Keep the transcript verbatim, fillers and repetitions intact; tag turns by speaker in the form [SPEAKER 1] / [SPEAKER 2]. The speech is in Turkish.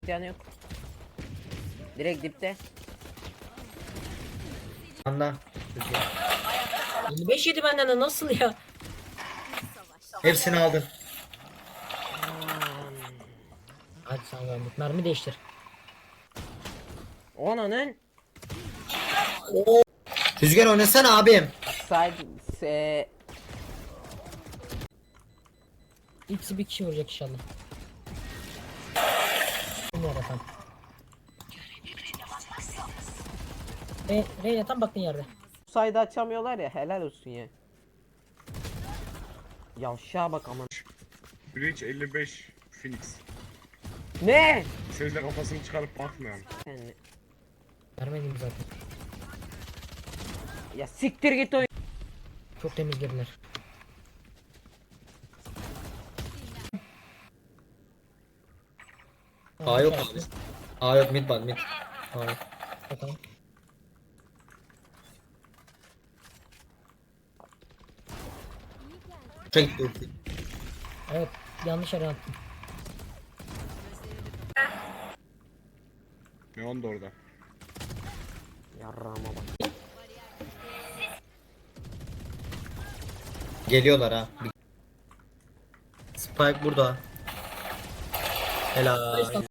[SPEAKER 1] Canı yok. Direkt dipte.
[SPEAKER 2] Anda.
[SPEAKER 3] yirmi beş yedi benden de nasıl ya?
[SPEAKER 2] Hepsini aldın.
[SPEAKER 3] Hadi sen verdik. Mermi değiştir.
[SPEAKER 1] Onanın
[SPEAKER 2] Rüzgar oynasana abim.
[SPEAKER 1] side se
[SPEAKER 3] İkisi bir kişi vuracak inşallah. Ne yaratan? Re Reyna tam baktığın yerde.
[SPEAKER 1] side açamıyorlar ya, helal olsun ya. Yavşağa bak aman.
[SPEAKER 4] Breach elli beş Phoenix.
[SPEAKER 1] Ne?
[SPEAKER 4] Sözde kafasını çıkarıp bakmıyor.
[SPEAKER 1] Sen
[SPEAKER 3] Vermedim zaten.
[SPEAKER 1] ya siktir git oyun.
[SPEAKER 3] Çok temiz girdiler.
[SPEAKER 2] A yok abi. A yok, mid bak mid. A yok.
[SPEAKER 3] Bakalım.
[SPEAKER 2] Uçak gitti ulti.
[SPEAKER 3] Evet, yanlış yere attım.
[SPEAKER 4] Neon da orada.
[SPEAKER 1] Yarrağıma bak.
[SPEAKER 2] Geliyorlar ha. Spike burada. Helal.